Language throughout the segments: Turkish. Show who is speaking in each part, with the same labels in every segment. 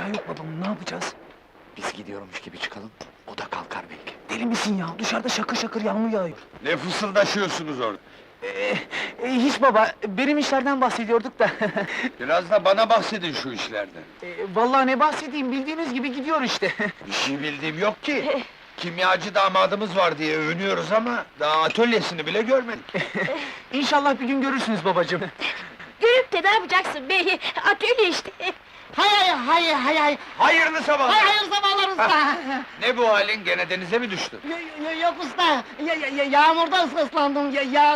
Speaker 1: Eşya yok babamın, ne yapacağız?
Speaker 2: Biz gidiyormuş gibi çıkalım, o da kalkar belki.
Speaker 1: Deli misin ya? Dışarıda şakır şakır yağmur yağıyor.
Speaker 3: Ne fısıldaşıyorsunuz orada?
Speaker 1: Hiç baba, benim işlerden bahsediyorduk da.
Speaker 3: Biraz da bana bahsedin şu işlerden.
Speaker 1: Vallahi ne bahsedeyim, bildiğiniz gibi gidiyor işte.
Speaker 3: Bir şey bildiğim yok ki. Kimyacı damadımız var diye övünüyoruz ama daha atölyesini bile görmedik.
Speaker 1: İnşallah bir gün görürsünüz babacığım.
Speaker 4: Görüp de ne yapacaksın bey? Atölye işte.
Speaker 5: Hay.
Speaker 3: Hayırlı sabahlar!
Speaker 5: Hayır sabahlar usta.
Speaker 3: Ne bu halin, gene denize mi düştün?
Speaker 5: Yok usta. Yağmurdan ıslandım.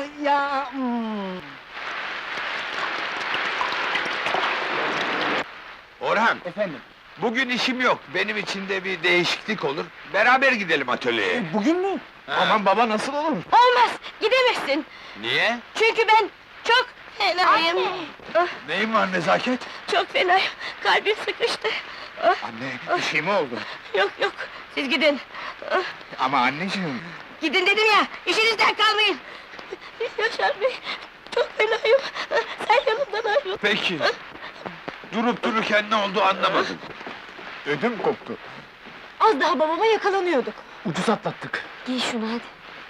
Speaker 3: Orhan,
Speaker 1: Efendim?
Speaker 3: bugün işim yok, benim için de bir değişiklik olur. Beraber gidelim atölyeye.
Speaker 1: Bugün mü? Aman baba, nasıl olur?
Speaker 4: Olmaz, gidemezsin.
Speaker 3: Niye?
Speaker 4: Çünkü ben çok fenayım. Ah,
Speaker 3: Neyin var Nezaket?
Speaker 4: çok fenayım, kalbim sıkıştı. Ah,
Speaker 3: Anne, bir şey mi oldu?
Speaker 4: yok, siz gidin. Ah,
Speaker 3: Ama anneciğim...
Speaker 4: gidin dedim ya, işinizden kalmayın. Yaşar Bey, çok fenayım. Ah, sen yanımdan ayrıl.
Speaker 3: Peki. Durup dururken ne oldu anlamadım. Ödüm koptu.
Speaker 4: Az daha babama yakalanıyorduk.
Speaker 1: Ucuz atlattık.
Speaker 4: Giy şunu hadi.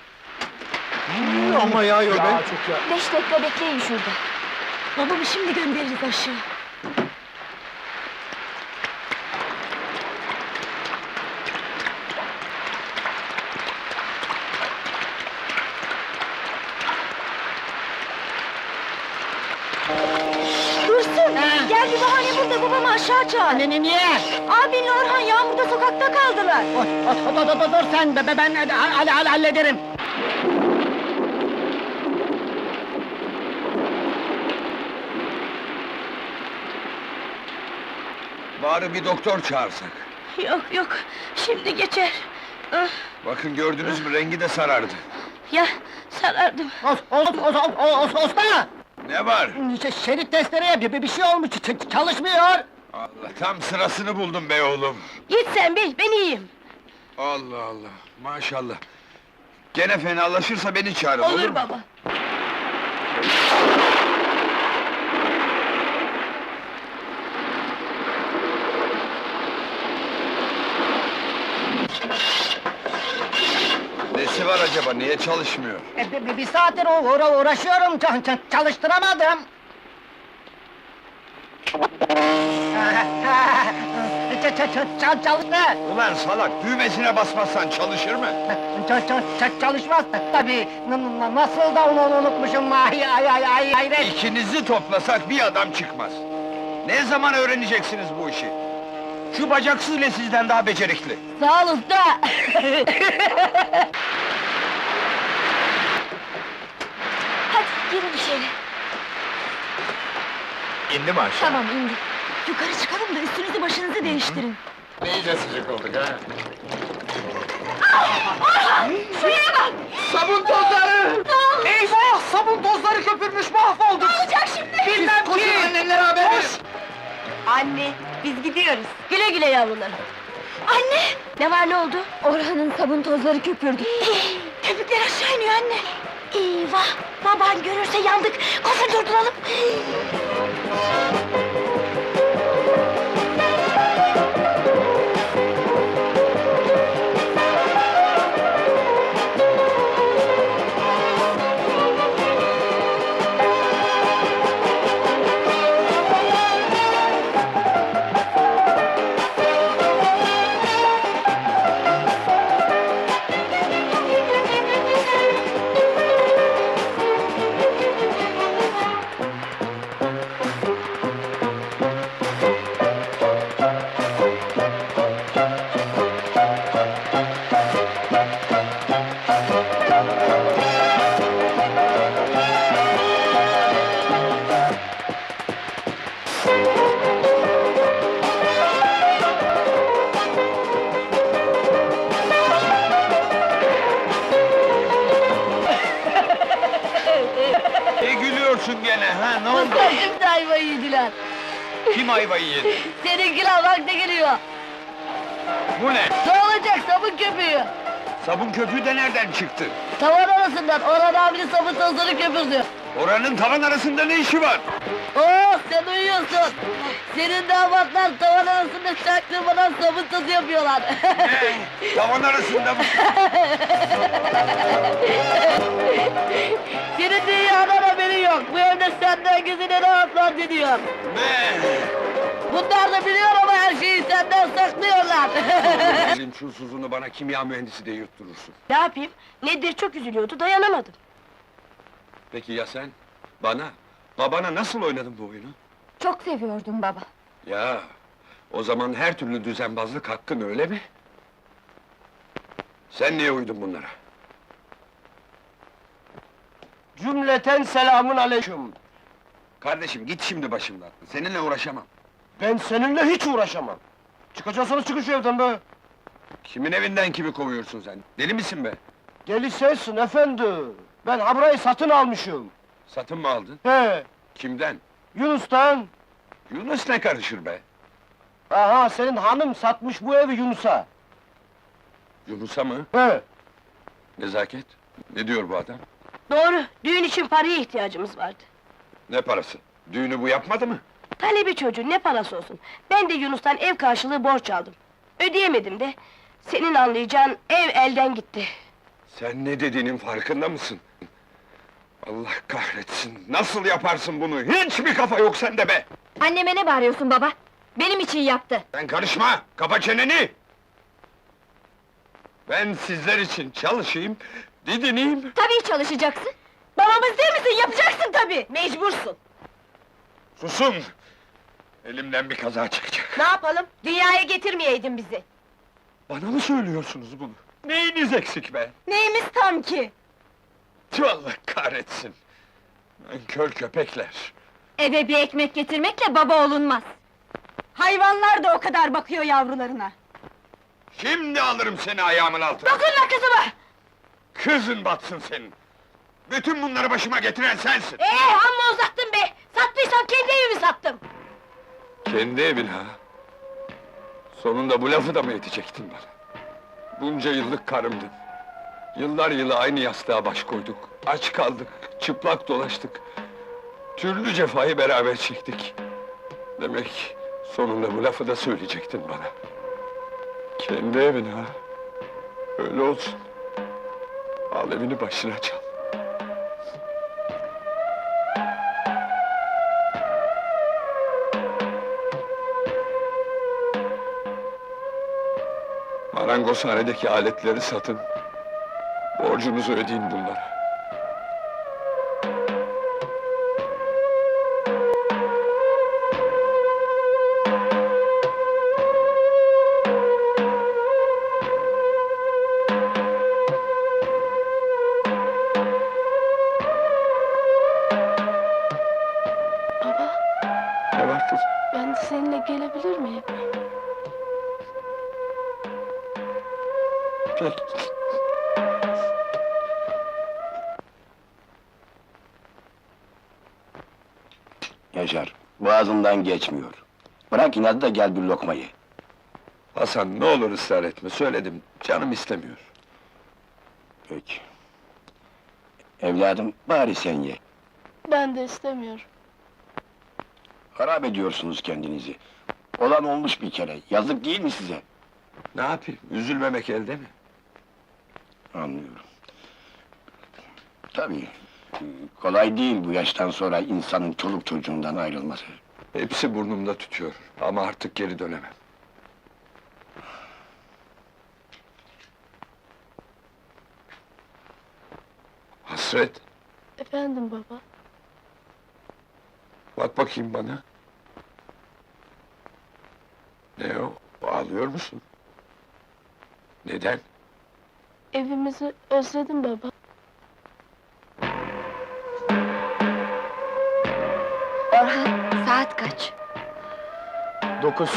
Speaker 3: Ama yağıyor be.
Speaker 1: Çok ya.
Speaker 4: 5 dakika bekleyin şurada. Babamı şimdi göndeririz aşağı. Dursun! Gel bir bahane bul da babamı aşağı çağır.
Speaker 5: Niye?
Speaker 4: Abinle Orhan yağmurda sokakta kaldılar.
Speaker 5: Dur sen, ben hallederim.
Speaker 3: Bari bir doktor çağırsak.
Speaker 4: Yok, şimdi geçer. Ah,
Speaker 3: Bakın gördünüz mü, rengi de sarardı.
Speaker 4: ya, sarardım.
Speaker 5: Usta!
Speaker 3: Ne var?
Speaker 5: Şerit testereye bir şey olmuş, çalışmıyor.
Speaker 3: Allah, tam sırasını buldum be oğlum.
Speaker 4: Git sen bey, ben iyiyim.
Speaker 3: Allah Allah, maşallah. Gene fenalaşırsa beni çağırın, olur
Speaker 4: Olur
Speaker 3: mu?
Speaker 4: baba.
Speaker 3: Nesi var acaba, niye çalışmıyor?
Speaker 5: Bir saattir uğraşıyorum, çalıştıramadım. Çalıştı.
Speaker 3: Ulan salak, düğmesine basmazsan çalışır mı?
Speaker 5: Çalışmaz tabii. Nasıl da onu unutmuşum, hayret.
Speaker 3: İkinizi toplasak bir adam çıkmaz. Ne zaman öğreneceksiniz bu işi? Şu bacaksız bile sizden daha becerikli.
Speaker 4: Sağ ol usta. Hadi girin içeri.
Speaker 3: İndi mi aşağı?
Speaker 4: Tamam indi. Yukarı çıkalım da üstünüzü başınızı değiştirin.
Speaker 3: İyice sıcak olduk ha.
Speaker 4: Şuraya bak!
Speaker 3: Sabun tozları!
Speaker 1: Eyvah! Sabun tozları köpürmüş, mahvolduk!
Speaker 4: Ne olacak şimdi?
Speaker 1: Bilmem ki!
Speaker 3: Annenlere haber ver!
Speaker 4: Anne, biz gidiyoruz. Güle güle yavrularım. Anne! Ne var, ne oldu? Orhan'ın sabun tozları köpürdü. Köpükler aşağı iniyor anne. Eyvah! Baban görürse yandık. Koşun durduralım.
Speaker 3: Ne gülüyorsun gene ha, ne oldu?
Speaker 4: Şimdi ayvayı yediler.
Speaker 3: Kim ayvayı yedi?
Speaker 4: Seninkiler bak ne geliyor.
Speaker 3: Bu ne?
Speaker 4: Ne olacak sabun köpüğü?
Speaker 3: Sabun köpüğü de nereden çıktı?
Speaker 4: Tavan arasından Orhan abinin sabun tozları köpürdü.
Speaker 3: Oranın tavan arasında ne işi var?
Speaker 4: Oh sen uyuyorsun. Senin damatlar tavan arasında çaktırmadan sabun tozu yapıyorlar.
Speaker 3: Tavan arasında mı?
Speaker 4: Senin dünyadan haberi yok. Bu evde senden gözüne rahatlar diyor.
Speaker 3: Ne?
Speaker 4: Bunlar da biliyor ama her şeyi senden saklıyorlar.
Speaker 3: Elin çulsuzunu bana kimya mühendisi diye yutturursun.
Speaker 4: Ne yapayım? Nedir çok üzülüyordu, dayanamadım.
Speaker 3: Peki ya sen? Babana nasıl oynadın bu oyunu?
Speaker 4: Çok seviyordum baba.
Speaker 3: Ya, o zaman her türlü düzenbazlık hakkın öyle mi? Sen niye uydun bunlara?
Speaker 5: Cümleten selamun aleyküm.
Speaker 3: Kardeşim git şimdi başımdan, seninle uğraşamam.
Speaker 5: Ben seninle hiç uğraşamam. Çıkacaksanız çıkın şu evden be.
Speaker 3: Kimin evinden kimi kovuyorsun sen? Deli misin be?
Speaker 5: Deli sensin efendi. Ben ha burayı satın almışım.
Speaker 3: Satın mı aldın?
Speaker 5: He,
Speaker 3: Kimden?
Speaker 5: Yunus'tan.
Speaker 3: Yunus ne karışır be?
Speaker 5: Aha, senin hanım satmış bu evi Yunus'a.
Speaker 3: Yunus'a mı?
Speaker 5: He,
Speaker 3: Nezaket? Ne diyor bu adam?
Speaker 4: Doğru, düğün için paraya ihtiyacımız vardı.
Speaker 3: Ne parası? Düğünü bu yapmadı mı?
Speaker 4: Talebi çocuğun ne parası olsun. Ben de Yunus'tan ev karşılığı borç aldım. Ödeyemedim de. Senin anlayacağın ev elden gitti.
Speaker 3: Sen ne dediğinin farkında mısın? Allah kahretsin! Nasıl yaparsın bunu? Hiç mi kafa yok sende be?
Speaker 4: Anneme ne bağırıyorsun baba? Benim için yaptı.
Speaker 3: Sen karışma! Kapa çeneni! Ben sizler için çalışayım, didineyim.
Speaker 4: Tabii çalışacaksın. Babamız değil misin? Yapacaksın tabii. Mecbursun.
Speaker 3: Susun! Elimden bir kaza çıkacak.
Speaker 4: Ne yapalım? Dünyaya getirmeyeydin bizi.
Speaker 3: Bana mı söylüyorsunuz bunu? Neyiniz eksik be?
Speaker 4: Neyimiz tam ki?
Speaker 3: Tüh, Allah kahretsin! Nankör köpekler!
Speaker 4: Eve bir ekmek getirmekle baba olunmaz. Hayvanlar da o kadar bakıyor yavrularına.
Speaker 3: Şimdi alırım seni ayağımın altına!
Speaker 4: Dokunma kızıma!
Speaker 3: Kızın batsın senin! Bütün bunları başıma getiren sensin!
Speaker 4: Amma uzattın be! Sattıysam kendi evimi sattım!
Speaker 3: Kendi evin ha! Sonunda bu lafı da mı yetecektin bana? Bunca yıllık karımdın. Yıllar yılı aynı yastığa baş koyduk. Aç kaldık, çıplak dolaştık. Türlü cefayı beraber çektik. Demek sonunda bu lafı da söyleyecektin bana. Kendi evin ha! Öyle olsun. Al evini başına çal. Marangozhanedeki aletleri satın. Borcunuzu ödeyin bunlara. Ne var kızım?
Speaker 4: Ben de seninle gelebilir miyim?
Speaker 3: Peki.
Speaker 6: Yaşar, boğazından geçmiyor. Bırak inadı da gel bir lokmayı.
Speaker 3: Hasan ne olur ısrar etme, söyledim, canım istemiyor.
Speaker 6: Peki. Evladım, bari sen ye.
Speaker 4: Ben de istemiyorum.
Speaker 6: Harap ediyorsunuz kendinizi. Olan olmuş bir kere, yazık değil mi size?
Speaker 3: Ne yapayım, üzülmemek elde mi?
Speaker 6: Anlıyorum. Tabii, kolay değil bu yaştan sonra insanın çoluk çocuğundan ayrılması.
Speaker 3: Hepsi burnumda tütüyor, ama artık geri dönemem. Hasret,
Speaker 4: Efendim baba?
Speaker 3: bak bakayım bana. Ne o, ağlıyor musun? Neden?
Speaker 4: Evimizi özledim baba. Orhan, saat kaç?
Speaker 5: 9.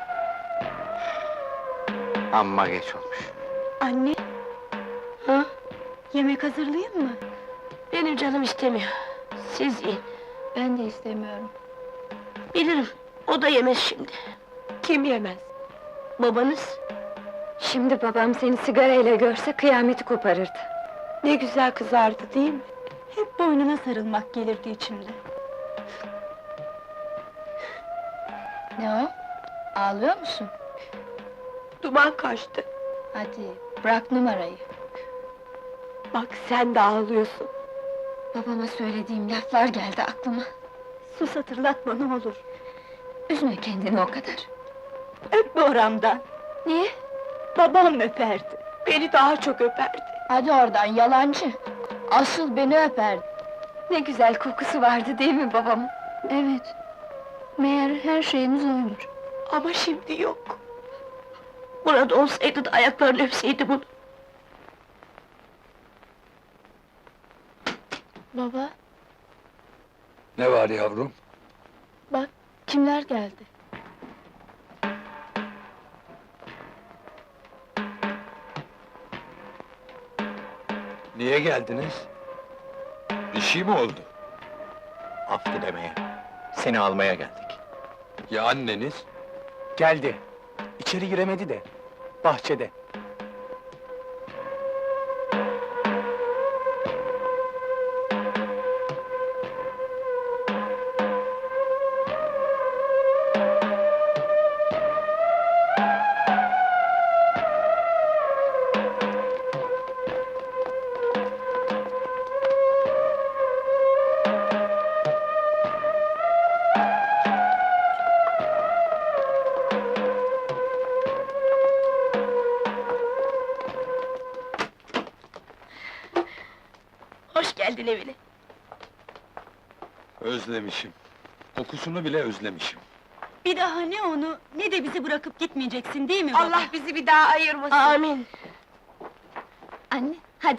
Speaker 2: Amma geç olmuş.
Speaker 4: Anne? Ha? Yemek hazırlayayım mı? Benim canım istemiyor. Siz yiyin. Ben de istemiyorum. Bilirim, o da yemez şimdi. Kim yemez? Babanız?
Speaker 7: Şimdi babam seni sigarayla görse kıyameti koparırdı.
Speaker 4: Ne güzel kızardı değil mi? Hep boynuna sarılmak gelirdi içimde.
Speaker 7: Ne o? Ağlıyor musun?
Speaker 4: Duman kaçtı.
Speaker 7: Hadi, bırak numarayı.
Speaker 4: Bak sen de ağlıyorsun.
Speaker 7: Babama söylediğim laflar geldi aklıma.
Speaker 4: Sus, hatırlatma ne olur.
Speaker 7: Üzme kendini o kadar.
Speaker 4: Öpme oramdan.
Speaker 7: Niye?
Speaker 4: Babam öperdi. Beni daha çok öperdi.
Speaker 7: Hadi oradan yalancı. Asıl beni öperdi. Ne güzel kokusu vardı değil mi babamın? Evet. Meğer her şeyimiz oymuş.
Speaker 4: Ama şimdi yok. Burada olsaydı da ayaklarını öpseydim onu.
Speaker 7: Baba,
Speaker 3: Ne var yavrum?
Speaker 7: bak kimler geldi?
Speaker 3: Niye geldiniz? Bir şey mi oldu?
Speaker 2: Af dilemeye. Seni almaya geldik.
Speaker 3: Ya anneniz?
Speaker 1: Geldi. İçeri giremedi de. Bahçede.
Speaker 4: Hoş geldin evine.
Speaker 3: Özlemişim. Kokusunu bile özlemişim.
Speaker 8: Bir daha ne onu, ne de bizi bırakıp gitmeyeceksin değil mi baba?
Speaker 4: Allah bizi bir daha ayırmasın. Amin.
Speaker 7: Anne, hadi.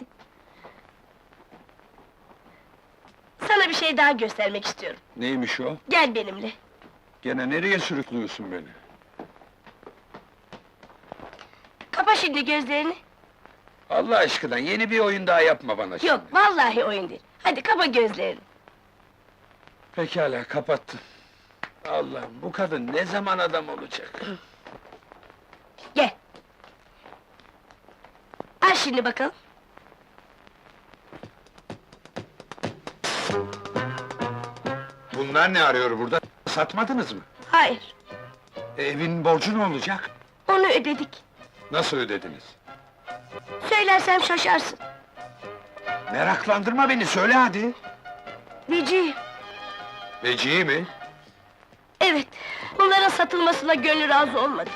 Speaker 4: Sana bir şey daha göstermek istiyorum.
Speaker 3: Neymiş o?
Speaker 4: Gel benimle.
Speaker 3: Gene nereye sürüklüyorsun beni?
Speaker 4: Kapa şimdi gözlerini.
Speaker 3: Allah aşkına yeni bir oyun daha yapma bana şimdi.
Speaker 4: Yok, vallahi oyun değil. Hadi kapa gözlerini.
Speaker 3: Pekala, kapattım. Allah'ım, bu kadın ne zaman adam olacak?
Speaker 4: Gel. Al şimdi bakalım.
Speaker 3: Bunlar ne arıyor burada? Satmadınız mı?
Speaker 4: Hayır,
Speaker 3: Evin borcu ne olacak?
Speaker 4: onu ödedik.
Speaker 3: Nasıl ödediniz?
Speaker 4: Söylersem şaşarsın.
Speaker 3: Meraklandırma beni, söyle hadi!
Speaker 4: Vecihi,
Speaker 3: Vecihi mi?
Speaker 4: evet. Bunların satılmasına gönlü razı olmadı.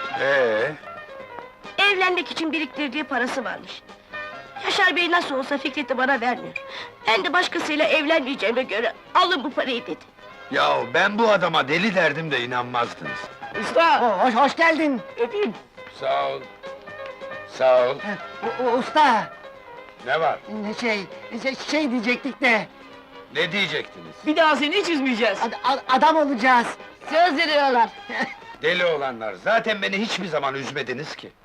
Speaker 4: Evlenmek için biriktirdiği parası varmış. Yaşar Bey nasıl olsa Fikret'i bana vermiyor. Ben de başkasıyla evlenmeyeceğime göre alın bu parayı dedi.
Speaker 3: Yahu ben bu adama deli derdim de inanmazdınız.
Speaker 5: Usta, hoş geldin.
Speaker 4: Öpeyim.
Speaker 3: Sağ ol. Sağ ol.
Speaker 5: Usta,
Speaker 3: Ne var?
Speaker 5: şey diyecektik de,
Speaker 3: Ne diyecektiniz?
Speaker 1: Bir daha seni hiç üzmeyeceğiz.
Speaker 5: adam olacağız.
Speaker 4: Söz veriyorlar.
Speaker 3: Deli olanlar, zaten beni hiçbir zaman üzmediniz ki.